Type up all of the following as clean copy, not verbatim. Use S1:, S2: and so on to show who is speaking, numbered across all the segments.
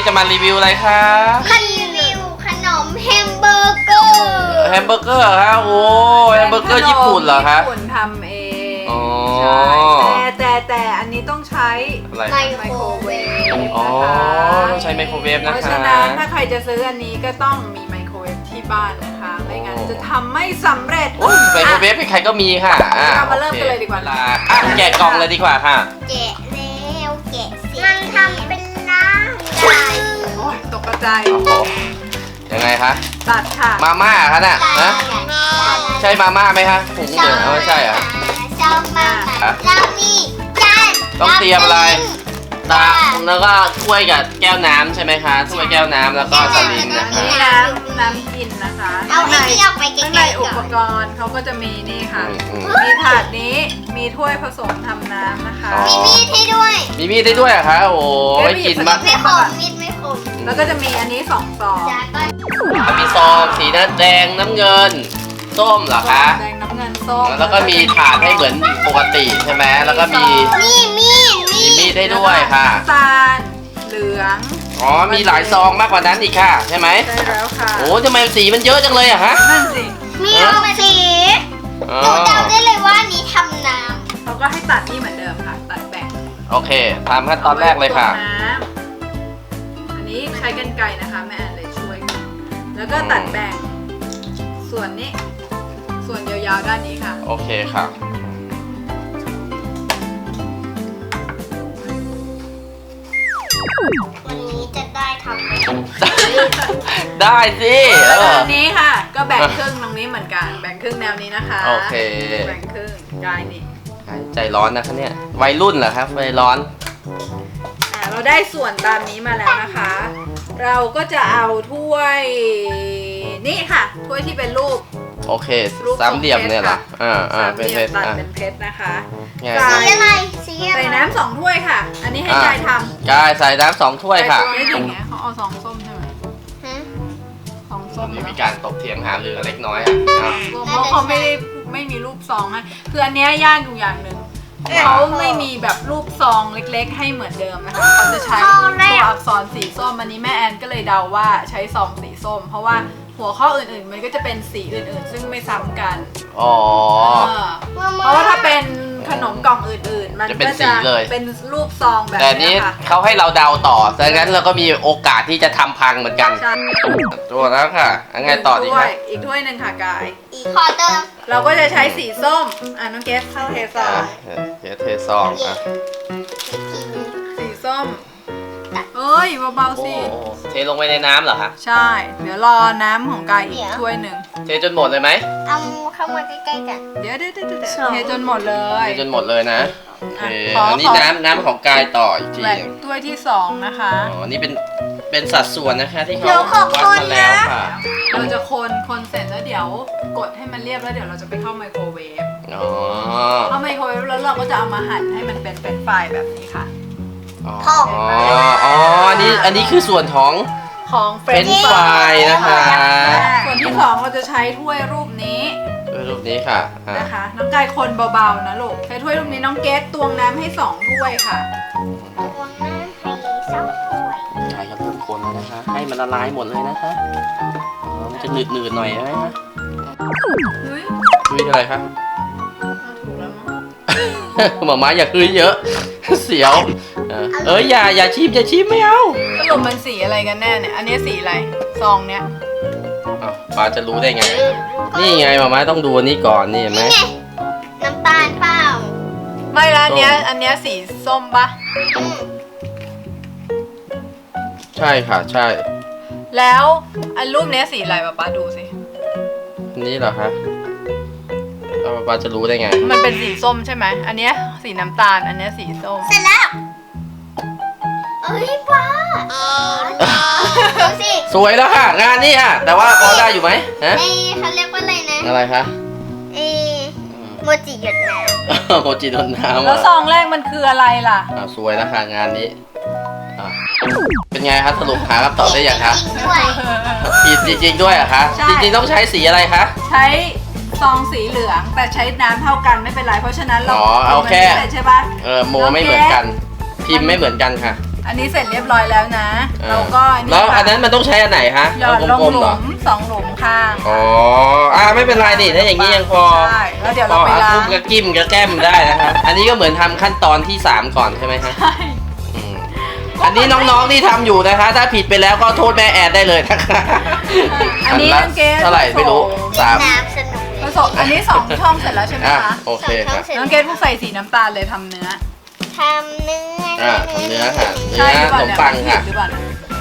S1: จะมารีวิวอะไรคะ
S2: รีวิวขนมแฮมเบอร์เกอร์
S1: แฮมเบอร์เกอร์ฮะโอ้แฮมเบอร์เกอร์ญี่ปุ่นเหรอคะ
S3: ญี่ปุ่นทำเอง
S1: อ๋อ
S3: ใช่แต่อันนี้ต้องใช้
S1: อะไร
S2: ไม
S3: ไม
S2: โค
S3: โค
S2: ร
S3: ร
S2: เว
S3: เว
S2: ฟ
S3: ฟ
S1: อ๋อ
S3: นะคะ
S1: ต้องใช้ไมโครเวฟนะ
S3: เพราะ
S1: คะ
S3: ฉะนั้นถ้าใครจะซื้ออันนี้ก็ต้องมีไมโครเวฟที่บ้านนะคะ ไม่งั้นจะทำไม่สำเร็จ
S1: ไมโครเวฟใครๆก็มีค่ะ
S3: เรามาเริ่มกันเลยดีกว่า
S1: แกะกล่องเลยดีกว่าค่ะ
S2: แกะแล้วแกะสิมันทำเป็นน้ำไก่
S3: โอ้ยตกกระจาย
S1: โอ้โหยังไงคะ
S3: ตัดค่ะ
S1: มาม่าคะน่ะนะใช่มาม่าไหมคะถุงเหลืองไม่ใช่เหรอ
S2: ชอบมากแล้วนี่จาน
S1: ต้องเตรียมอะไร ตาแล้วก็ถ้วยกับแก้วน้ำใช่ไหมคะถ้วยแก้วน้ำแล้วก็สลิงนะคะ
S3: นี่น้ำกินนะคะ
S2: เอาไอ้ที่ออกไปไก
S3: ข้างใน
S2: ลๆ
S3: อุ
S2: ก่
S3: ป
S2: อน
S3: กรณ์เขาก็จะมีนี่ค่ะ
S1: อืม
S3: มีถาดนี้มีถ้วยผสมทำน้ำนะคะ
S1: อ๋อ
S2: มีมีดให้ด้วย
S1: มีมีดได้ด้วยเหรอะคะโอ้ไว้กินมาก
S2: ไม่ขมมีดไม่ขม
S3: แล้วก็จะมีอันนี้2 ซอง
S2: จาก็
S1: มีซองสีน้ำแดงน้ำเงิน ส้มเหรอคะ
S3: แดงน้ำเงินส้ม
S1: แล้วก็มีถาดให้เหมือนปกติใช่ไหมแล้วก็มี
S2: มีมีด
S1: ได้ด้วยค่ะ
S3: น้ำตาลเหลือง
S1: อ๋อมีหลายซองมากกว่านั้นอีกค่ะใช่ไหม
S3: ใช่แล้วค่ะ
S1: โอ้ทำไมสีมันเยอะจังเลยอะฮะ
S3: นั่นสิ
S2: มีรูปสี
S1: อ๋อ
S2: หนูเดาได้เลยว่านี้ทำน้
S3: เขาก็ให้ตัดนี่เหมือนเดิมค่ะ ตัดแบ่ง
S1: โอเคทำขั้นตอนแรกเลยค่ะ
S3: อาไว้ตวงน้ำอันนี้ใช้กรรไกรนะคะแม่แอนเลยช่วย แล้วก็ตัดแบ่งส่วนนี้ ส่วนยาวๆด้านนี้ค่ะ
S1: โอเคค่ะ
S2: ำวันนี้จะได้ทำไหม
S1: ได้สิ
S3: แล้วตรงนี้ค่ะ ก็แบ่งครึ่งตรงนี้เหมือนกัน แบ่งครึ่งแนวนี้นะคะ
S1: โอเค
S3: แบ่งครึ่งกายนี่
S1: ใจร้อนนะคะเนี่ยวัยรุ่นเหรอครับวัยร้อน
S3: เราได้ส่วนตามนี้มาแล้วนะคะ เราก็จะเอาถ้วยนี่ค่ะ ถ้วยที่เป็นรูป
S1: โอเค
S3: รูป
S1: สามเหลี่ยมเนี่ยเหรอ
S3: สาม
S1: เป็น
S3: เหลี่ย
S1: เพชร
S3: มตัดเป็นเพชรนะคะ
S1: ไง
S3: กา
S2: สีอะไรสีอะไร
S3: ใส่น้ำ2 ถ้วยค่ะ อันนี้ให้กายทำ
S1: กายใส่น้ำ2 ถ้วยค่ะ
S3: ไม่ถึงไงเขาเอา2 ส้มใช่ไหม
S2: ฮะ
S3: 2 ส้ม
S1: นี่
S3: เน
S1: มี
S3: อะ
S1: การตกเถียงหารือกันเล็กน้อยอ่ะอ่ะ
S3: เพราะเขาไม่มีรูปซองให้คืออันเนี้ยยากอยู่อย่างหนึ่งเขาไม่มีแบบรูปซองเล็กๆ ให้เหมือนเดิมนะคะเขาจะใช้ตัวอักษรสีส้มอันนี้แม่แอนก็เลยเดาว่าใช้ซองสีส้ม เพราะว่าหัวข้ออื่นๆ มันก็จะเป็นสีอื่นๆ ซึ่งไม่ซ้ำกัน
S1: อ๋อ
S3: เพราะว่าถ้าเป็นขนมกล่องอื่นๆ มัน
S1: จะเป็น
S3: ก็
S1: สี
S3: จะ
S1: เลย
S3: เป็นรูปซองแบบ
S1: แต่
S3: นี้
S1: นี้
S3: ค่ะ
S1: เขาให้เราเดาต่อดังนั้นเราก็มีโอกาสที่จะทำพังเหมือนกัน
S3: ใช่
S1: ตัวแล้วค่ะอันไงต่อดี
S3: ถ้ว
S1: คะ
S3: ยอีกถ้วยหนึ่งค่ะกาย
S2: ขอเติม
S3: เราก็จะใช้สีส้มน้องเกสเข้าเทซอง
S1: เดี๋ยวเทซองอ่ะ
S3: สีส้มเอ้ยเบา
S1: โอ้
S3: ๆสิ
S1: เทลงไปในน้ำเหรอคะ
S3: ใช่ เดี๋ยวรอน้ำของกายอีกถ้วยหนึ่ง
S1: เทจนหมดเลยไหม
S2: เอาเข้ามาใกล้ๆกัน
S3: เดี๋ยวเทจนหมดเลย
S1: เทจนหมดเลยนะโอเค
S3: ขออั
S1: อันนี้น้ำของกายต่ออีกที
S3: แบ่ง
S1: หนึ่ง
S3: ถ้วยที่2นะคะ
S1: อ๋อนี่เป็นสัดส่วนนะคะที่เขา
S2: เดี๋ยวขอบ
S1: วัด
S2: คุณ
S1: มาแล้ว
S2: นะ
S1: ค่ะ
S3: เราจะคนเสร็จแล้วเดี๋ยวกดให้มันเรียบแล้วเดี๋ยวเราจะไปเข้าไมโครเวฟ
S1: อ๋อ
S3: เข้าไมโครเวฟแล้วเราก็จะเอามาหั่นให้มันเป็นไฟล์แบบนี้ค่ะ
S1: อ๋ออ๋ออันนี้คือส่วนของ
S3: ของเฟร
S1: เป็น ช์ฟรายนะคะ
S3: ส่วนที่2เราจะใช้ถ้วยรูปนี้
S1: ด้วยรูปนี้ค่ะอ่ะ
S3: นะคะ น้องกายคนเบาๆนะลูกใช้ถ้วยรูปนี้น้องเกสตวงน้ำให้2 ถ้วยค่ะ
S2: วางน้ำให้สองถ้วย
S1: กายก็เริ่มคนแล้วนะคะ ให้มันละลายหมดเลยนะคะอ๋อมันจะหนืดๆหน่อยใช่ไหมคะ
S3: เฮ้ย
S1: คุยอะไรคะ
S3: ถูกแล้วมั้ง
S1: หมาม้าอย่าคุยเยอะ เสียวอย่าชิมไม่เอา
S3: สรุปมันสีอะไรกันแน่เนี่ย อันนี้สีอะไร ซองเนี้ย
S1: อ้าวป้าจะรู้ได้ไง นี่ไงหมาม้าต้องดูอันนี้ก่อนนี่เห็นไหม
S2: นี่ไงน้ำตาลเปล่า
S3: ไม่ละอันเนี้ย
S1: ส้ม
S3: อันเนี้ยสีส้มปะ
S1: ใช่ค่ะใช่
S3: แล้วอันรูปเนี้ยสีอะไรป๊าดูสิ
S1: อันนี้เหรอคะแล้วป้าจะรู้ได้ไง
S3: มันเป็นสีส้มใช่ไหม อันเนี้ยสีน้ำตาล อันเนี้ยสีส้ม
S2: เสร็จแล้วเอ้ยป้าดูสิ
S1: สวยแล้วค่ะ งานนี้ค่ะ แต่ว่าพอได้อยู่ไหมฮะ
S2: เอ้เขาเรียกว่าอะไรนะ
S1: อะไรคะ
S2: เอ้โมจิหยดน้
S1: โมจิโดนน้ำ
S3: แล้วซองแรกมันคืออะไรล่ะ
S1: สวยแล้วค่ะงานนี้อ่ะเป็นไงครับสรุปหาคำตอบได้ยังคะ
S2: จริงด้วย
S1: ผิดจริงๆด้วยเหรอคะ
S3: ใช่
S1: จริงๆต้องใช้สีอะไรคะ
S3: ใช้ซองสีเหลืองแต่ใช้น้ำเท่ากันไม่เป็นไร เพราะฉะนั้นเรา
S1: อ๋อเอาแค่
S3: มันไม่เสร็จใช่ปะ
S1: โมไม่เหมือนกัน พิมพ์ไม่เหมือนกันค่ะ
S3: อันนี้เสร็จเรียบร้อยแล้วนะแล้วก็
S1: แล้วอันนั้นมันต้องใช้อันไหนฮะ
S3: หยอดลง
S1: กลม
S3: ห
S1: ๆเหร
S3: ลุ
S1: อ
S3: ม2 หลุมข้าง
S1: อ๋อไม่เป็นไรนี่ถ้าอย่างนี้ยังพอ
S3: ใช่แล้วเดี๋ยว
S1: พ
S3: เรา
S1: อ
S3: ไป
S1: หา
S3: ล้า
S1: คุ
S3: ง
S1: กก็กิ้มก็แก้มได้นะครับอันนี้ก็เหมือนทำขั้นตอนที่ 3 ก่อนใช่ไหมฮะ
S3: ใช่
S1: อืมอันนี้น้องๆที่ทำอยู่นะคะ ถ้าผิดไปแล้วก็โทษแม่แอดได้เลยนะคะ
S3: อันนี้
S1: ละ
S3: น้องเกด
S1: เท่าไหร่ไม่รู้
S2: เล่น
S1: 3
S2: น้ำสนุก
S3: ผสมอันนี้2 ช่องเสร็จแล้วใช่ไหม
S1: อ่ะ
S3: คะ
S1: โอเคค่ะ
S3: น้องเกดผู้ใส่สีน้ำตาลเลยทำเนื้อ
S2: ทำเนื้อ
S1: อ่ะทำเนื้อค่ะ
S3: ใช่หรือเปล่า
S1: ขนม
S3: เนี่ย
S1: ปังค่ะ
S3: หรือเปล่า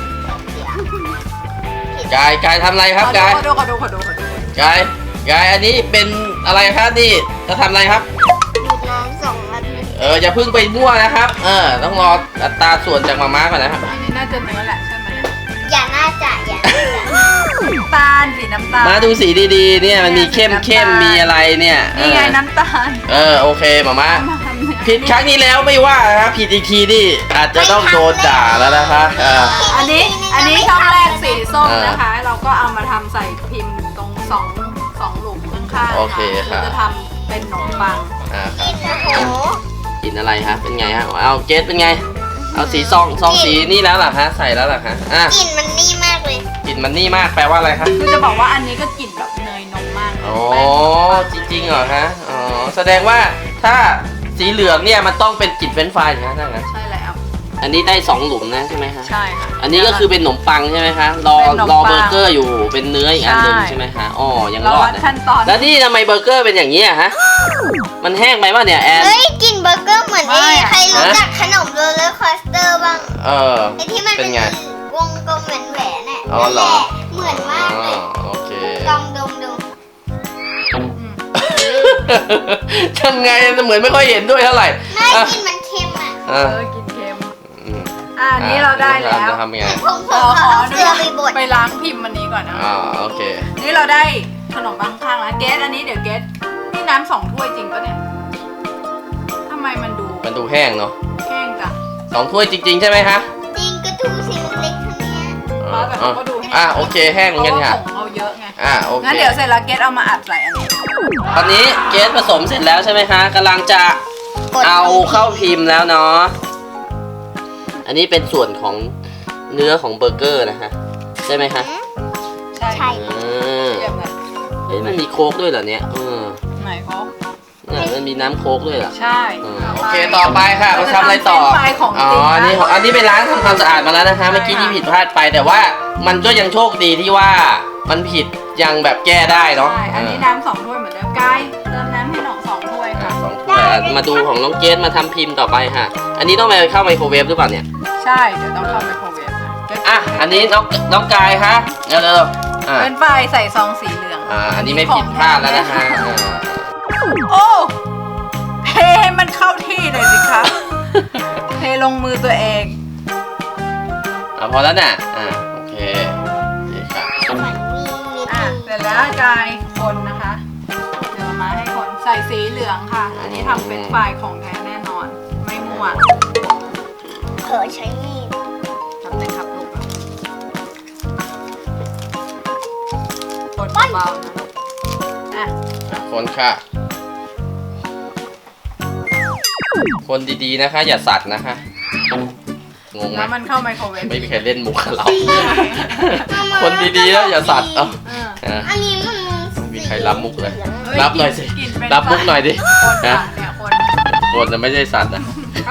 S1: กายทำอะไรครับกาย
S3: ขอดู
S1: กายอันนี้เป็นอะไรครับนี่จะทำอะไรครับ
S2: ดูดน้ำ2 นาที
S1: อย่าเพิ่งไปมั่วนะครับ ต้องรออัตราส่วนจากมาม่าก่อนนะครับ
S3: อันนี้น่าจะเนื้อแหละใช่ไหม
S2: อย่าน่าจะอย่าน่าจะ
S3: น้ำตาลสีน้ำตาล
S1: มาดูสีดีๆเนี่ยมันมีเข้มมีอะไรเนี่ย
S3: นี่ไงน้ำตาล
S1: โอเคมาม่า
S3: มาทำเนื้อ
S1: ผิดครั้งนี้แล้วไม่ว่านะครับผิดอีกทีนี่อาจจะต้องโดนด่าแล้วนะคะ
S3: อันนี้ช่องแรกสีส้มนะคะ เราก็เอามาทำใส่พิมพ์ตรงสองหลุมข้างๆ
S1: โอเคค่ะ
S3: เราจะทำเป็นขนมปัง
S2: กินโอ้โห
S1: กินอะไรฮะเป็นไงฮะเอาเกสเป็นไง เอาสีซองสีนี่แล้วเหรอฮะใส่แล้วเหรอฮะ
S2: กลิ่นมันนี่มากเลย
S1: กลิ่นมันนี่มากแปลว่าอะไรครับ
S3: คือจะบอกว่าอันนี้ก็กลิ่นแบบเนยนมมากเลย
S1: อ๋อจริงๆเหรอฮะอ๋อแสดงว่าถ้าสีเหลืองเนี่ยมันต้องเป็นกลิ่นเฟรนช์ฟรายนะถ้างั้น
S3: ใช่แล้ว
S1: อันนี้ได้2 หลุมนะใช่ไหมฮะ
S3: ใช่ค่ะ
S1: อันนี้ก็คือเป็นขนมปังใช่ไหมคะรอ
S3: เป็นขนมปัง
S1: เบอร์เกอร์อยู่เป็นเนื้ออีกอันหนึ่ง
S3: ใช่
S1: ใช่ไหมคะอ๋อยัง
S3: เรา
S1: รอ
S3: วั
S1: ด
S3: ด
S1: นะ
S3: ขั้นตอน
S1: แล้วนี่ทำไมเบอร์เกอร์เป็นอย่างนี้อะฮะมันแห้งไปป่ะเนี่ยแอน
S2: เฮ้ยกลิ่นเบอร์เกอร์เหมือนใครรู้จักขนมโรลเลอร์คอสเตอร์บ้าง ไอ้ที่มัน
S1: เป็
S2: เป็น น
S1: ไง
S2: วงกลมแหวนๆน่ะ
S1: อ๋อเหรอ
S2: เหมือนมากเลย
S1: โอเค
S2: ลองดมดู
S1: ทำไงเหมือนไม่ค่อยเห็นด้วยเท่าไหร่
S2: ไม่
S1: อ่ะ
S2: กลิ่นมันเค็มอ่ะ
S1: อ่ะ
S3: กินเค็ม
S1: อืม
S3: อันนี้เราได้แล้ว
S1: จะทำยังไง
S2: ผม
S3: ขอ
S2: เอา
S3: ดู
S2: เกลือไปบด
S3: ไปล้างพิมพ์อันนี้ก่อนนะ
S1: โอเค
S3: นี่เราได้ขนมปังข้างแล้วเกสอันนี้เดี๋ยวเกสนี่น้ำ2 ถ้วยจริงปะเนี่ยทำไมมันดู
S1: มันดูแห้งเนาะ
S3: แห้งจัง
S1: 2 ถ้วยจริง ๆ ใช่ไหมคะ
S2: จริงก็ดูสิมันเล็กเท่านี้
S3: แต่เขาก็ดูแห้ง
S1: โอเคแห้งเหมือนกันค่ะ
S3: เพราะว่าผงเราเยอะไง
S1: โอเค
S3: งั้นเดี๋ยวเสร็จแล้วเกสเอามาอัดใส่อันนี้
S1: ตอนนี้เกสผสมเสร็จแล้วใช่ไหมคะกำลังจะเอาเข้าพิมพ์แล้วเนาะอันนี้เป็นส่วนของเนื้อของเบอร์เกอร์นะฮะใช่ไหมคะ
S3: ใช่
S2: ใช่
S3: เทียบกัน
S1: มันมีโค้กด้วยเหรอเนี่ย
S3: ไหนเขา
S1: เนี่ยมันมีน้ำโค้กด้วยเหรอ
S3: ใช่
S1: โอเคต่อไปค่ะเราทำอะไรต่อ
S3: เาจทำเฟรนช์ฟรายของจริง
S1: อันนี้ไปล้างทำความสะอาดมาแล้วนะคะเมื่อกี้ที่ผิดพลาดไปแต่ว่ามันก็ยังโชคดีที่ว่ามันผิดยังแบบแก้ได้เนาะ
S3: ใช่อันนี้น้ำ2 ถ้วยเหมือนเดิมกายเติมน้ำให้หนอง2 ถ้วยค่ะ
S1: 2 ถ้วยมาดูของน้องเกสมาทำพิมพ์ต่อไปค่ะ อันนี้ต้องไปเข้าไมโครเวฟหรือเปล่าเนี่ย
S3: ใช่เดี๋ยวต้องเข้าไมโครเวฟค่ะ
S1: อันนี้น้องกายฮะเร็วๆ
S3: เป็นฝ่ายใส่ซองสีเหลือง
S1: อันนี้ไม่ผิดพลาดแล้วนะคะ
S3: โอ้เทให้มันเข้าที่เลยสิคะเทลงมือตัวเอง
S1: พอแล้วน่ะโอเคดีค่ะ
S3: เสร็จแล้วกายคนนะคะเดี๋ยวมาให้คนใส่สีเหลืองค่ะ อันนี้ทำเป็นฝ่ายของแท้แน่นอน ไม่มั่ว
S2: เผลอใช้มีด
S3: ทำเลยครับลูกคนเบาๆนะ
S1: คนค่ะ คนดีๆนะคะ อย่าสัตว์นะคะงงไหม
S3: แล้วมันเข้าไมโครเวฟ
S1: ไม่มีใครเล่นมุกกับเรา คนดีๆแล้วอย่าสัตว์
S2: อันนี้มัน
S1: มีใครรับมุกเลย รับหน่อยสิ รับมุกหน่อยดิ
S3: คนค่ะเนี่ยคน
S1: คนจะไม่ใช่สัตว์นะ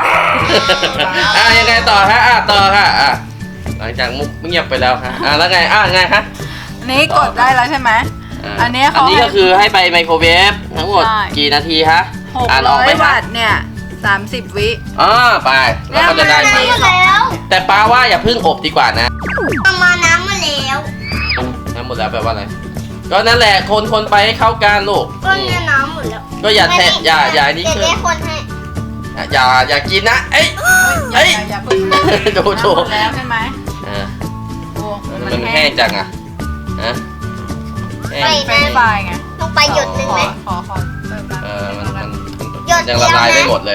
S1: ยังไงต่อฮะต่อค่ะหลังจากมุกเงียบไปแล้วค่ะแล้วไงไงฮะ
S3: นี่กดได้แล้วใช่ไหมอันนี้
S1: ก็คือให้ไปไมโครเวฟทั้งหมดกี่นาทีคะอ่านออกไหม
S3: 600 วัตต์เนี่ย30 วิ
S1: ไปแล้วก็จะได้ไหม
S2: น้ำมาแล้ว
S1: แต่ป้าว่าอย่าเพิ่งอบดีกว่านะ
S2: เอามาน้ำมาแล้ว
S1: น้ำหมดแล้วแปลว่าอะไรก็นั่นแหละคนไปให้เข้ากันลูก
S2: ก็เนี่ยน้ำหมดแล้ว
S1: ก็อย่าแทะอย่านี่
S2: เดี๋ยว
S1: คือ
S2: แม่คนให้
S1: อย่ากินนะเอ้ย
S3: อย่าเพิ่ง
S1: ดู
S3: แล้วใช่ไหม
S1: มันแห้งจังอ่ะแห้ง
S3: เป็นไฟไง
S2: ต้องไปหยดหนึ่งไหม
S3: ขอเติมน้ำ
S1: มัน
S2: หยด
S1: ยัง
S2: เดี
S1: ละ
S2: ยว
S1: ลายไม่
S2: นะ
S1: หมดเลย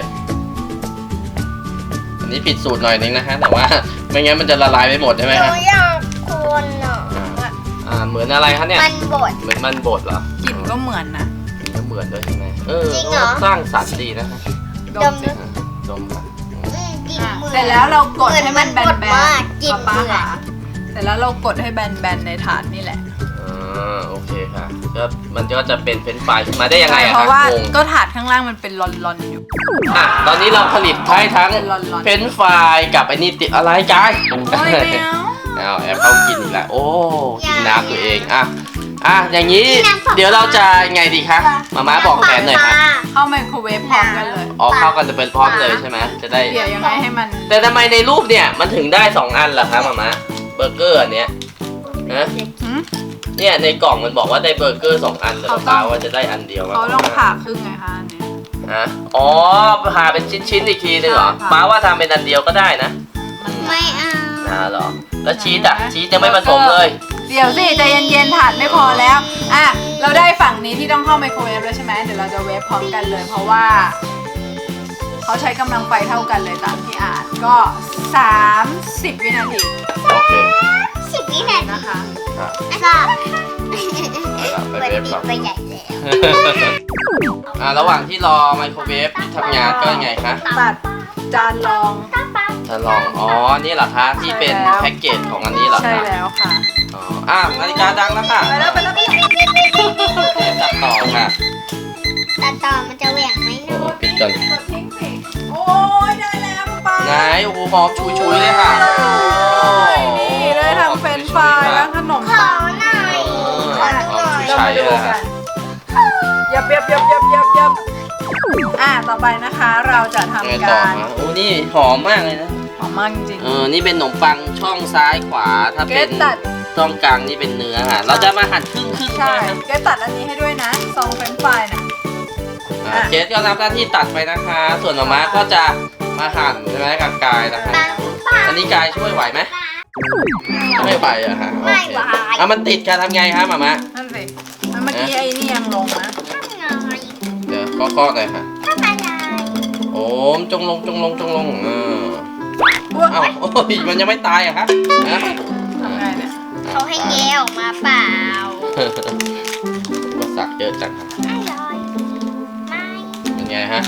S1: อันนี้ผิดสูตรหน่อยนึงนะฮะแต่ว่าไม่งั้นมันจะละลายไม่หมดใช่ไหม
S2: ห
S1: ฮะ
S2: นูอยากคนอ่ะ
S1: เหมือนอะไรคะเนี่ย
S2: มันบด
S1: เหมือนมันบดเหรอก
S3: ลิ่นก็เหมือนนะ
S1: ก็เหมือนด้วยใช่ไหม
S2: จริงเหรอ
S1: สร้างสรรค์ดีนะฮะ
S3: ดมสิ
S1: ดมค่ะ
S2: กินเหมือน
S3: เสร็จแล้วเรากดให้มันแบน
S2: เหมือนมันกดมากกิน
S3: ป้า
S2: เหมือน
S3: ค่ะเสร็จแล้วเรากดให้แบนในถาดนี่แหละ
S1: โอเคค่ะก็มันก็จะเป็นเฟรนช์ฟรายขึ้นมาได้ยังไงอะ
S3: เพ
S1: คะ
S3: ราะว่าง
S1: ง
S3: ก็ถาดข้างล่างมันเป็นลอนๆอยู่
S1: อ่ะตอนนี้เราผลิตให้ทั้ง
S3: เป็นร้อนๆ
S1: เฟรนช์ฟรายกับไอ้นี่ติดอะไรกัน
S3: โอ้ยไม่เอา
S1: แอบเข้ากินอีกแล้วโอ้กินน้ำตัวเองอย่างนี้เดี๋ยวเราจะไงดีคะมาบอกแผนหน่อยค่ะ
S3: เข้าไมโครเวฟพร้อมกันเลย
S1: เข้ากันจะเป็นพร้อมเลยใช่ไหมจะได้
S3: เดี๋ยวยังไงให้มัน
S1: แต่ทำไมในรูปเนี่ยมันถึงได้2อันล่ะคะมาเบอร์เกอร์อันเนี้ยนะ
S3: หืม
S1: เนี่ยในกล่องมันบอกว่าได้เบอร์เกอร์2อันแต่ป้าว่าจะได้อันเดียว
S3: เขาต้องผ่าครึ่งไงคะอันนี้
S1: อ๋อผ่าเป็นชิ้นๆอีกทีนึงเหรอ
S3: ใช่ค่ะ
S1: ป้าว่าทำเป็นอันเดียวก็ได้นะ
S2: ไม่เอา
S1: เหรอแล้วชีสชีสยังไม่ผสมเลย
S3: เดี๋ยวสิใจเย็นๆถาดไม่พอแล้วเราได้ฝั่งนี้ที่ต้องเข้าไมโครเวฟแล้วใช่ไหมเดี๋ยวเราจะเวฟพร้อมกันเลย เพราะว่าเขาใช้กำลังไฟเท่ากันเลยตามที่อ่านก็ 30 วินาที
S1: โอเค
S2: 10 วินาที
S3: นะคะ
S2: ทราบ
S1: ไปเวฟก่อน
S2: ไปใหญ่แล้ว
S1: ระหว่างที่รอไมโครเวฟทำงานก็ยังไงคะ
S3: ตัดจานรอง
S1: จะลองนี่เหรอคะที่เป็น
S3: ใช่แล้ว
S1: แพ็กเกจของอันนี้เหรอ
S3: ใช่
S1: คะ
S3: แล้วค่ะ
S1: นาฬิกาดังแล้วค่ะ
S3: ไปแล้ว
S1: ตัดต่อค่ะ
S2: ตัดต่อมันจะเหวี่ยงไหม
S1: โอ้ปิดก่อน
S3: กดทิ้งสิโอ้ยได้แล้วป๊า
S1: ไหนโอ้โหหอมชุยๆเลยค่ะ
S3: นี่ได้ทั้งเฟรนช์ฟรายและขนม
S2: ขอหน่อย
S1: หอม
S3: เรา
S1: ชุย
S3: มา
S1: ๆ
S3: ดู
S1: เลย
S3: กั
S1: ค่ะ
S3: นยับต่อไปนะคะเราจะ
S1: ยังไง
S3: ทำ
S1: ต่อ
S3: การ
S1: คะโอ้นี่หอมมากเลยนะ
S3: หอมมากจริง
S1: นี่เป็นขนมปังช่องซ้ายขวาถ้า
S3: ๆเก
S1: เป็
S3: ด
S1: น
S3: ตัด
S1: ช่องกลางนี่เป็นเนื้อค่ะเราจะมาหั่นครึ่งๆ
S3: ใช่
S1: ใช่ไหม
S3: เกดตัดอันนี้ให้ด้วยนะซองเฟรนช์ฟรายน่ะ
S1: เจสก็รับหน้าที่ตัดไปนะคะ ส่วนหมาม้าก็จะมาหั่นใช่ไหมกับกายนะคะ อันนี้กายช่วยไหวไหมไม่ไหวอะค่ะโอ
S2: ไม่
S1: เค
S2: ไหว
S1: มันติดกันทำไงคะหมาม้า
S3: นั่นสิแล้วเมื่อกี้ไอ้นี่ยังลงนะ
S1: เดี๋ยวก็ๆเลยค่ะ
S2: ถ้าไปไหน
S1: โอ้มจงลง
S3: อ้วก
S1: เอ้าโอ้ยมันยังไม่ตายอะคะฮะ
S3: ทำไงเนี่ย
S2: เขาให้แกะออกมาเปล่า
S1: อุปสรรคเยอะจังค่ะ
S2: ไม่ลอยไม่
S1: เป็นไงฮะ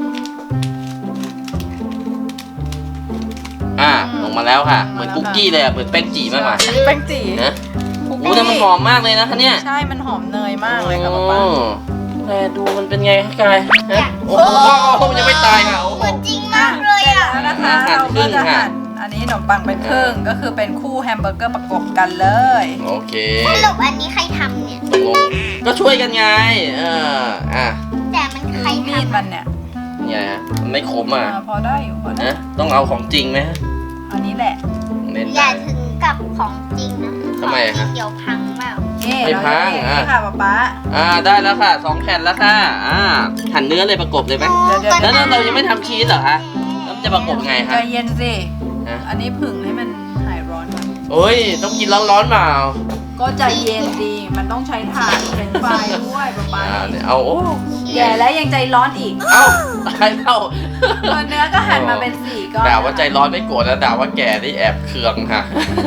S1: ลงมาแล้วค่ะ เหมือนคุกกี้เลยอะเหมือนแป้งจีมากกว่า
S3: แป้งจี
S1: นะโอ้แต่มันหอมมากเลยนะคะเนี่ย
S3: ใช่มันหอมเนยมากเลยค่ะป๊าป๊า
S1: แต่ดูมันเป็นไงคะกายฮะโอ้โหมันยังไม่ตายค่ะโอ้โห
S2: เหมือนจริงมากเลยอ่ะ
S3: แล้วนะคะ
S1: หั่น
S3: เรา
S1: ครึ่
S3: ก็
S1: ง
S3: จะ
S1: ค่ะ
S3: หั่นอันนี้ขนมปังเป็นครึ่งก็คือเป็นคู่แฮมเบอร์เกอร์ประกบกันเลย
S1: โอเค
S2: สรุปอันนี้ใครทำเนี่ย
S1: ตกลงก็ช่วยกันไง
S2: แต่มันใคร
S3: มีด
S2: ทำ
S3: มันเนี่ย
S1: เนี่ยฮะมันไม่คมอ่ะ
S3: พอได้อยู่พอได้
S1: นะต้องเอาของจริงไหมฮะ
S3: อันนี้แหละ
S1: เล่น
S2: อย่า
S1: ได้
S2: ถึงกับของจริงนะ
S1: ทำไมอะ
S2: ข
S1: คะ
S2: องจริงเดี๋ยวพังเปล่า
S3: นี่
S1: ไม่
S3: เรา
S1: พั
S3: จะ
S1: ง
S3: นี่ค่ะป๊าป๊า
S1: ได้แล้วค่ะ2แผ่นแล้วค่ะหั่นเนื้อเลยประกบเลยไหม
S3: เดี๋ยว
S1: แล้วเรายังไม่ทำชีสเหรอคะแล้วมันจะประกบไง
S3: ใจ
S1: คะ
S3: เย็นสิ
S1: ฮะ
S3: อันนี้ผึ่งให้มันหายร้อนก่อน
S1: โอ้ยต้องกินร้อนๆเปล่า
S3: ก็ใจเย็นดีมันต้องใช้ถ่านเป็นไฟด้วยป๊าป๊า
S1: เนี่ยเอาโอ้
S3: แย่แล้วยังใจร้อนอีก
S1: เอ้าตายแล้ว
S3: ส่วนเนื้อก็หั่นมาเป็นสี่ก้อน
S1: ด่าว่าใจร้อนไม่โกรธนะด่าว่าแก่นี่แอบเคืองค่ะ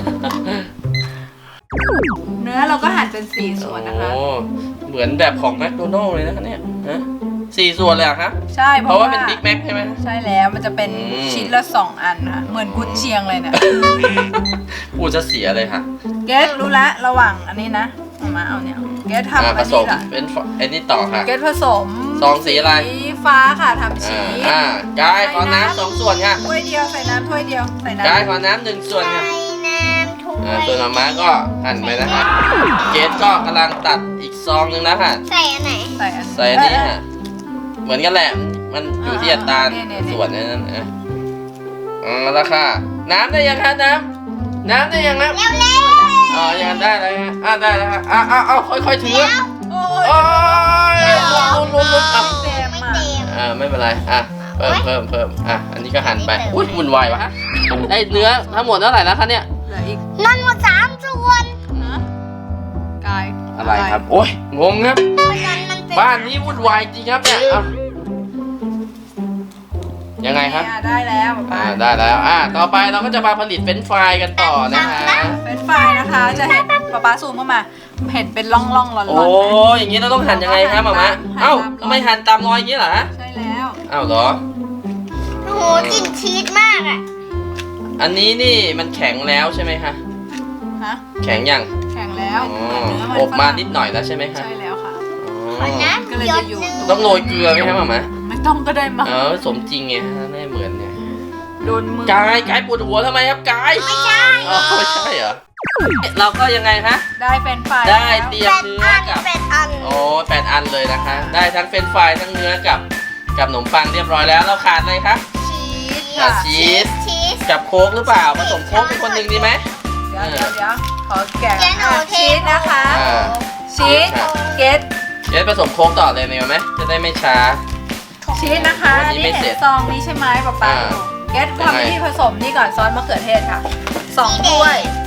S3: เนื้อเราก็หั่นเป็นสี่ส่วนนะคะ
S1: โอ้เหมือนแบบของแมคโดนัลล์เลยนะคะเนี่ยฮะ4 ส่วนเลยเหรอคะ
S3: ใช่
S1: เพราะว่าเป็นบิ๊กแม็กใช่ไหม
S3: ใช่แล้วมันจะเป็น
S1: อืม
S3: ชิ้นละ 2 อันนะเหมือนกุนเชียงเลยเนี่ย
S1: พูดจะเสียเลยค่ะ
S3: เกสรู้ละระหว่างอันนี้นะมาเอาเนี่ยเกสทำอัน
S1: ผส
S3: นี้
S1: ม
S3: ละ
S1: เป็นไอ้นี่ต่อค่ะ
S3: เกสผสม
S1: ซองสีอะไร
S3: สีฟ้าค่ะทำชีส
S1: กายขอน้ำ2 ส่วนค่ะ
S3: ถ้วยเดียวใส่น้ำถ้วยเดียวใส่น้ำ
S1: กายขอน้ำ1 ส่วนค่ะ
S2: ใส่น้ำถ้วย
S1: ส่วนม้าก็หั่นไปนะคะเกสก็กำลังตัดอีกซองนึงแล้วค่ะ
S2: ใส่อันไหน
S3: ใส่อัน
S1: ใส่อันนี้ค่ะเหมือนกันแหละมันอยู่ที่อัตราส่วนนั้นนะแล้วค่ะน้ำได้ยังคะน้ำได้ยังนะ
S2: เร็วเร็ว
S1: ยังได้แล้วฮะได้แล้วฮะเอาค่อยๆถือ
S3: โอ้
S1: โอ้
S3: ย
S1: ยลุ้นอ่ะ
S3: เต็ม
S2: ไม่
S3: อ่ะ
S2: เต็ม
S1: ไม่เป็นไรเพิ่มอันนี้ก็หั่นไปอุ้ยวุ่นวายวะได้เนื้อทั้งหมดเท่าไหร่แล้วคะเนี่ย
S3: เหลืออีก
S2: นั่นหมด3 ส่วน
S3: นะกาย
S1: อะไรครับโอ้ยงงครับ
S2: เพราะฉะนั้นมันเป็น
S1: บ้านนี้วุ่นวายจริงครับเนี่ยยังไงครับ
S3: ได้แล้วป๊าป๊า
S1: ได้แล้วต่อไปเราก็จะมาผลิตเฟรนช์ฟรายกันต่อนะคะ
S3: เป็นไฟนะคะ จะเห็นป๊าป๊าซูมเข้ามา เห็นเป็นร่องๆร้อนๆ
S1: โอ้อย่างนี้เราต้องหั่นยังไงครับหมามะเอ้าทำไมหั่นตามรอยอย่างนี้เหรอฮะ
S3: ใช่แล้ว
S1: อ้าวเหรอ
S2: โอ้โหกลิ่นชีสมากอ่ะ
S1: อันนี้นี่มันแข็งแล้วใช่ไหมคะ
S3: ฮะ
S1: แข็งยัง
S3: แข็งแล้ว
S1: อ๋อ
S3: เหมือนเนื้อมัน
S1: อบมานิดหน่อยแล้วใช่ไหมคะ
S3: ใช่แล้วค่ะ
S2: ขอน้
S3: ก็เลย
S2: ำหย
S3: จะ
S2: ด
S3: อยู่
S2: หนึ่ง
S1: ต้องโรยเกลือไหมครับหมามะ
S3: ไม่ต้องก็ได้มั้ง
S1: สมจริงไงฮะไม่เหมือนเนี่ย
S3: โดนมือก
S1: ายปวดหัวทำไมครับกาย
S2: ไม่ใช่
S1: อ๋อไม่ใช่เหรอเราก็ยังไงคะ
S3: ได้เป็นไฟ
S1: ได้เตรียมเนื้อกับ
S2: เป็นอัน
S1: โอ้8 อันเลยนะคะ ได้ทั้งเฟรนช์ฟรายทั้งเนื้อกับขนมปังเรียบร้อยแล้ว เราขาดอะไรคะ
S2: ชีส
S1: ขาดชีส
S2: ชีส
S1: กับโค้กหรือเปล่าผสมโค้กเป็นคนหนึ่งดีไหม
S3: เดี๋ยวขอแกะ
S2: เจนโอเท
S3: ชีสนะคะ
S1: อ่า
S3: ชีสเกต
S1: เดี๋ยวผสมโค้กต่อเลยเนี่ยไหมจะได้ไม่ช้า
S3: ชีสนะคะ
S1: วัน
S3: อัน
S1: นี้
S3: นี้
S1: ไม่เสร็
S3: เห็
S1: จ
S3: นซองนี้ใช่ไหมป๊าป๊า
S1: อ่า
S3: เกตทำวิธีผสมนี่ก่อนซอสมะเขือเทศค่ะ2 ถ้วย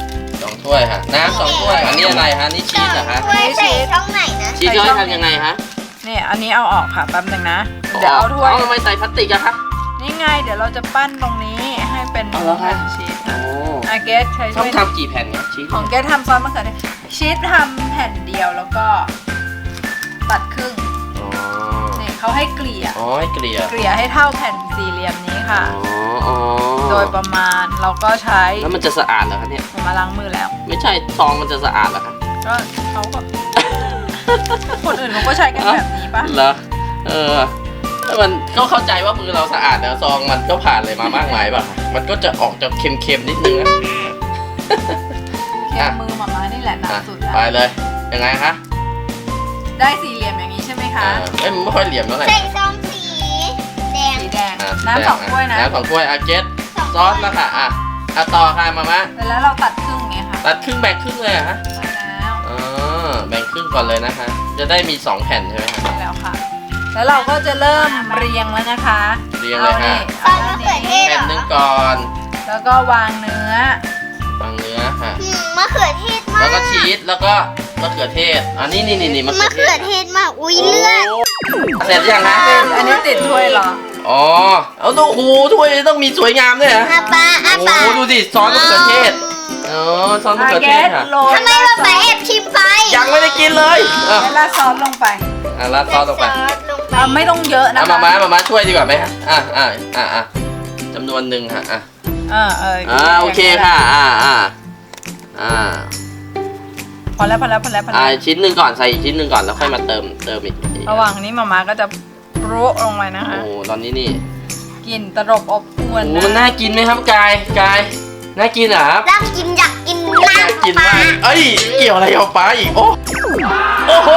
S1: 2 ถ้วยค่ะน้ำ2 ถ้วยอันนี้อะไรคะนี่ชีสเหรอคะ
S2: ถ้วยใส่ช่องไหนนะ
S1: ชีสเขาให้ทำยังไงคะ
S3: นี่อันนี้เอาออกค่ะแป๊บหนึงนะเดี๋ยวเอาถ้วย
S1: ทำไมใส่พลาสติกอะคะ
S3: นี่ไงเดี๋ยวเราจะปั้นตรงนี้ให้เป็น
S1: เอาเหรอคะ
S3: ชีส
S1: โอ้
S3: อาเกตใช้
S1: ต้
S3: ช่
S1: อง
S3: วย
S1: ทำกี่แผ่นเนี่ยชีส
S3: ของเกตทำซอสมะเขือเทศชีสทำแผ่นเดียวแล้วก็ตัดครึ่ง
S1: อ๋อ
S3: นี่เขาให้เกลี่ย
S1: อ๋อให้เกลี่ย
S3: เกลี่ยให้เท่าแผ่นสี่เหลี่ยมนี้ค่ะ
S1: อ๋ออ๋อ
S3: โดยประมาณเราก็ใช้
S1: แล้วมันจะสะอาดเหรอคะเนี่ย
S3: ผมมาล้างมือแล้ว
S1: ไม่ใช่ซองมันจะสะอาดเหรอคะ
S3: ก็เขาก็ คนอื่นเขาก็ใช้กันแบบนี้ปะ
S1: เหรอแล้วมันก็เข้าใจว่ามือเราสะอาดแต่ซองมันก็ผ่านอะไรมามากมายป่ะมันก็จะออกจะเค็มๆนิดนึงนะ
S3: เค็มมือหมาม่านี่แหละหนัก
S1: อ่ะ
S3: สุดแล้ว
S1: ไปเลยยังไงคะ
S3: ได้สี่เหลี่ยมอย่างนี้ใช่ไหมคะ
S1: มันไม่ค่อยเหลี่ยมเท่าไหร่
S2: ใส่ซองสีแดง
S3: สีแดง
S1: อ่ะ
S3: น้ำ2 ถ้วยนะ
S1: น้ำ2 ถ้วยอาเกตซอสแล้วค่ะต่อค่ะมามะ
S3: แล้วเราตัดครึ่งไงคะ
S1: ตัดครึ่งแบ่งครึ่งเลยเหรอฮะ
S3: ใช่แล้ว
S1: แบ่งครึ่งก่อนเลยนะคะ จะได้มี 2 แผ่นใช่ไหมคะ
S3: ใช่แล้วค่ะ แล้วเราก็จะเริ่มเรียงแล้วนะคะ
S1: เรียงเลยค่ะ
S3: เอานี่
S2: ซอสมะเขือเทศ
S1: แผ่นหนึ่งก่อน
S3: แล้วก็วางเนื้อ
S1: วางเนื้อค่ะ
S2: มะเขือเทศมาก
S1: แล้วก็ชีสแล้วก็มะเขือเทศนี่มะ
S2: มะ
S1: เขื
S2: เขื
S1: อ
S2: อ
S1: เท
S2: เท
S1: ศ
S2: ศมาก อุ้ยเลือด
S1: เสร็จยังคะ
S3: อันนี้ติดถ้วยเหรอ
S1: อ๋อเอาดูโอ้โหถ้วยต้องมีสวยงามด้วยเหรอ
S2: อาปาอา
S1: โอ้
S2: ปา
S1: โหดูสิซอสมะเขือเทศซอสมะเขือเทศค่ะ
S3: โรย
S2: ทำไมเราไปแอบชิมไป
S1: ยังไม่ได้กินเลยอ่ะ
S3: แล้วราดซอสลงไป
S1: ราดซอสลงไป
S2: ลงไป
S3: ไม่ต้องเยอะนะ
S1: มา
S3: คะ
S1: มาช่วยดีกว่าไหมฮะจำนวนหนึ่งค่ะโอเคค่ะ
S3: พอแล้ว
S1: ชิ้นหนึ่งก่อนใส่อีกชิ้นหนึ่งก่อนแล้วค่อยมาเติมอีก
S3: ระหว่างนี้มาม่าก็จะโปะลงไปนะคะ
S1: โอ้ตอนนี้นี่
S3: กลิ่นตลบอบอวน
S1: โอ้มันน่ากินไหมครับกายน่ากินเหรอครับ
S2: รักกินอยากกิน
S1: น่ากินมากเอ้ยเกี่ยวอะไรกับป้าอีกโอ้โห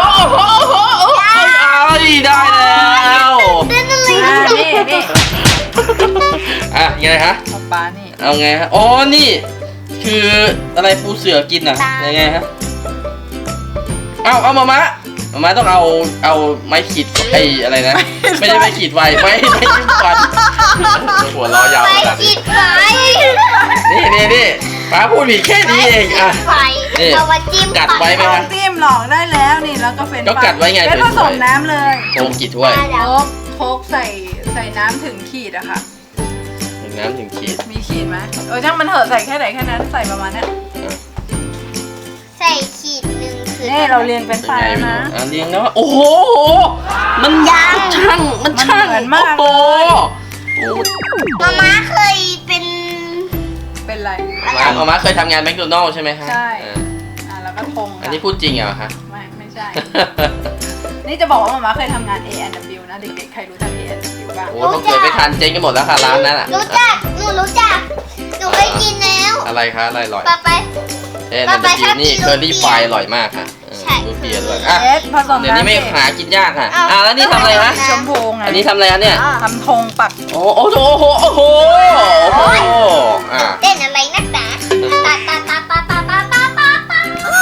S1: ได้แล้ว
S2: เต้นอะไร
S3: นี่
S1: ไงฮะ
S3: ของป้านี่
S1: เอาไงฮะอ๋อนี่คืออะไรปูเสือกินอ่ะยังไงฮะเอามาต้องเอาไม้ขีดอะไรนะไม่ใช่ไม้ขีดไฟไม่จิ้มฟันหัวล้อยาว
S2: ไป
S1: ขนาด
S2: กิ
S1: นี้
S2: นไฟ
S1: นี่ป้าพูดผิดแค่นี้เองอ่ะ
S2: ไฟ
S1: นี่
S2: เรามาจิ้ม
S1: กัดไว้ไหม
S3: ลองจิ้มหลอกได้แล้วนี่แล้วก็เป็น
S1: ก็กัดไว้ไง
S3: เป็นผสมน้ำเลย
S1: โค้งกี่ถ้วย
S3: โคกใส่น้ำถึงขีดอะค่ะ
S1: ถึงน้ำถึงขีด
S3: มีขีดไหมช่างมันเถอะใส่แค่ไหนแค่นั้นใส่ประมาณเนี้ย
S2: ใส่ขีดหนึ่งคือ
S3: นี่เราเรียงเป็นไฟแล้วนะ
S1: เรียงแล้วโอ้โหมัน
S2: ยัง
S1: ช่างมันช่าง
S3: มันเหมือนมาก
S1: โอ้โห
S2: มาม่าเคยเป็น
S3: เป็นไร
S1: มาเคยทำงานแมคโดนัลล์ใช่ไหมฮะ
S3: ใช่ แล้วก็ทง
S1: อันนี้พูดจริงเหรอคะ
S3: ไม่ใช่ นี่จะบอกว่ามาม่าเคยทำงาน A&W นะเด็กๆใครรู้จัก A&W บ้าง
S1: โอ้ต้องเกิดไม่ทันเจ๊งกันหมดแล้วค่ะร้านนั้นอ่ะ
S2: รู้จัก หนูรู้จัก หนูเคยกินแล้ว
S1: อะไรคะอะไรอร่อย
S2: ปาไป
S1: นั่น
S2: ไปชอบ
S1: นี่
S2: กิน
S1: เคอรี่
S2: ลูก
S1: ไฟ
S2: เปี๊ยะ
S1: อร่อยมากค่ะ
S2: ใช่
S1: รูเปียด้วย
S3: เอสผสม
S1: เดี๋ยวนี้
S3: น้ำ
S1: ไม่
S3: สิ
S1: หากินยากค่ะ
S2: อ้าว
S1: แล้วนี่ทำอะไรฮะ
S3: ชมพูไง
S1: อันนี้ทำอะไรฮะเนี่ย
S3: ทำธงปัก
S1: โอ้โหอ่า
S2: เต้นอะไรนักหนาตาตาตาตาตาตาตาตาตา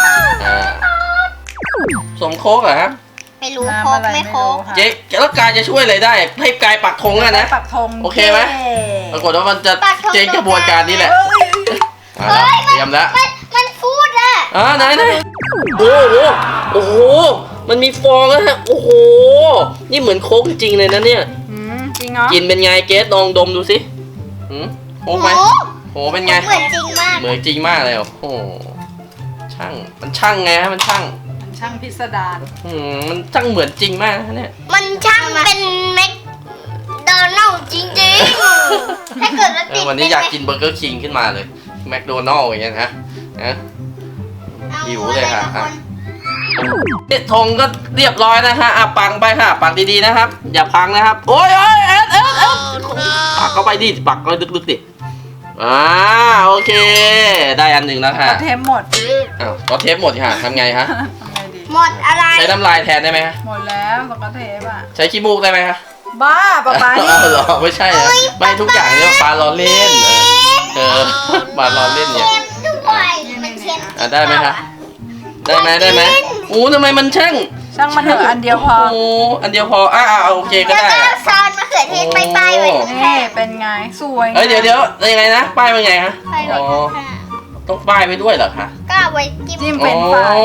S1: สมโค้กเหรอฮะ
S2: ไม่รู้
S3: น้ำ
S2: โคก
S3: อะไร
S2: ไม่
S3: ไม่
S2: โค
S3: รู้
S2: ก
S3: ค่ะ
S1: เจ๊แล้วกายจะช่วยอะไรได้ ให้กายปักธงอะนะ
S3: ปักธง
S1: โอเคไหม ปรากฏว่ามันจะเจ๊งกระบวนการนี้แหละ
S3: เอ้ย
S1: เตรียมแล้ว
S2: มันฟูดอะ
S1: ไหนโอ้โหมันมีฟองแล้วฮะโอ้โหนี่เหมือนโค้กจริงเลยนะเนี่ย
S3: จริงเหรอ
S1: กินเป็นไงเกสลองดมดูสิโค้กไหมโหเป็นไง
S2: เหมือนจริงมาก
S1: เหมือนจริงมากเลยโอ้โหมันช่างไงฮะมันช่าง
S3: มันช่างพิสดาร
S1: มันช่างเหมือนจริงมากนะเนี่ย
S2: มันช่างเป็นแมคโดนัลด์จริงถ้าเกิดว่าติด
S1: วันนี้อยากกินเบอร์เกอร์คิงขึ้นมาเลยแมคโดนัลล์อย่างเงี้ยนะหิวเลยค่ะธงก็เรียบร้อยนะฮะปังไปค่ะปังดีๆนะครับอย่าพังนะครับโอ้ยเอ็ดปักเข้าไปดิปักก็ลึกๆดิโอเคได้อันหนึ่งแล้วค่ะ
S3: ก็เทมหมด
S1: อ้าวก็เทปหมดค่ะทำไงฮะ
S3: ทำไงดี
S2: หมดอะไร
S1: ใช้น้ำลายแทนได้ไหมฮะ
S3: หมดแล้วสกอตเทปอ่ะ
S1: ใช้ขี้มูกได้ไหมฮะ
S3: บ้าป๊านี่
S1: อ้าวเหรอไม่ใช่เหรอไม่ทุกอย่างเนี่ยปลาล้อเล่นปลาล้อเล่นเนี่ย
S2: เค็มด้วยมันเค็ม
S1: ได้ไหมฮะได้ไหมโอ้ทำไมมันแช่ง
S3: ช่างมันเถอะอันเดียวพอ
S1: โอ้อันเดียวพอโอเคก็
S2: แล้ว
S1: ได้
S2: ก็ซอนมะเขือเทศไปๆไว้
S3: นี่เป็นไงสวย
S1: เฮ้ยเดี๋ยวยังไงนะป้ายเป็นไงฮะ
S2: ไปเลย
S1: อ๋อต้องป้ายไปด้วยเหรอคะ
S2: ก็เอาไว้จิ้ม
S3: จิ้มเป็นไฟราย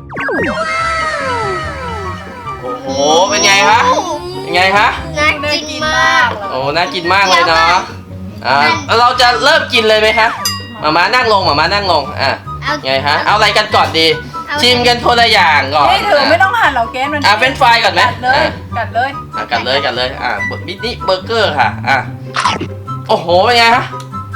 S1: โอ้โหเป็นไงคะเป็นไงคะ
S2: น่า
S3: น่า
S2: กิ
S3: กิ
S2: น
S3: น
S2: มาม
S3: าก กเลย
S1: โอ้น่ากินมากเลยเนาะแล้วเราจะเริ่มกินเลยไหมคะมานั่งลงไงฮะเอาอะไรกันก่อนดีชิมกันคนละอย่างก่อน
S3: นี่เธอไม่ต้องหั่นหรอกเกสมัน
S1: เป็นไฟก่อนไหม
S3: กัดเลย
S1: กัดเลยมินิเบอร์เกอร์ค่ะโอ้โหเป็นไงฮะ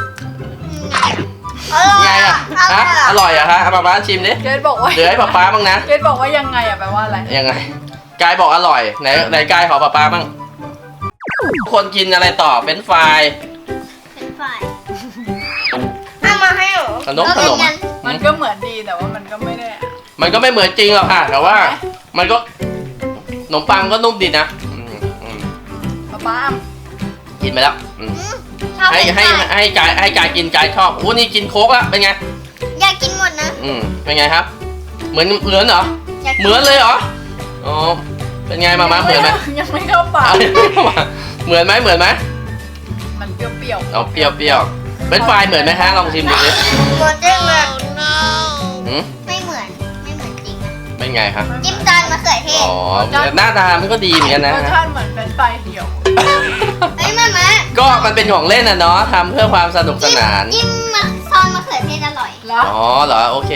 S1: ไงอร่อยอะฮะป๊าชิมดิ
S3: เกสบอกว่า
S1: เหลือให้ป๊าบ้างนะ
S3: เกสบอกว่ายังไงอะแปลว่าอะไร
S1: ยังไงกายบอกอร่อยไหนกายขอป๊าบ้างคนกินอะไรต่อเป็นไฟ
S2: เป็นไฟเอามาให้หนู
S1: ขนม
S3: มันก็เหมือนดีแต่ว่ามันก็ไม่ได้
S1: มันก็ไม่เหมือนจริงหรอกค่ะแต่ว่ามันก็ขนมปังก็นุ่มดีนะ
S3: ป้า
S1: กินไปแล้ว
S2: ชอบ
S1: ให้กายกินกายชอบอู้นี่กินโค้กแล้วเป็นไง
S2: อยากกินหมดนะ
S1: เป็นไงครับเหมือนเหรอ
S2: อยากกิน
S1: เหมือนเลยเหรออ๋อเป็นไงมาเหมือนไหม
S3: ยังไม่เข้าปาก
S1: เหมือนไหม
S3: มันเปรี้ยว
S1: เอาเปรี้ยวเป็นไฟเหมือนไหมฮะลองชิมดูดิ
S2: หมดจริงเลย
S1: หืม
S2: ไม่เหมือนจริงนะ
S1: เป็นไงครับ
S2: จิ้มจานมะเขือเทศ
S1: อ๋อหน้าตามันก็ดีเหมือนกัน
S3: ๆ
S1: นะ
S3: รสชาติเหมือนเป็นไฟเหี่ยว
S2: เฮ้ยมา
S1: ก็มันเป็นของเล่นนะเนาะทำเพื่อความสนุกสนาน
S2: จิ้มซอนมะเขือเทศอร่อย
S3: แล้ว
S1: อ๋อเหรอโอเค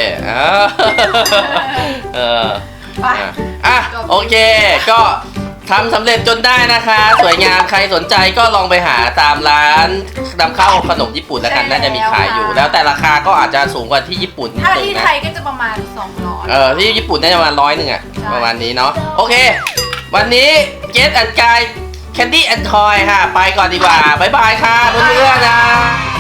S3: ไป
S1: โอเคก็ทำสำเร็จจนได้นะคะ สวยงามใครสนใจก็ลองไปหาตามร้านนำเข้าขนมญี่ปุ่นแล้วกันน่าจะมีขายอยู่ แล้วแต่ราคาก็อาจจะสูงกว่าที่ญี่ปุ่นนิด
S3: ถ้า
S1: นึง
S3: ที่
S1: นะ
S3: ไทยก็จะประมาณ200
S1: ที่ญี่ปุ่นน่าจะประมาณ100อ่ะ
S3: ใช่
S1: ประมาณนี้เนาะโอเค วันนี้เกสแอนด์กายแคนดี้แอนด์ทอยค่ะ ไปก่อนดีกว่าบ๊ายบายค่ะเพื่อนๆนะ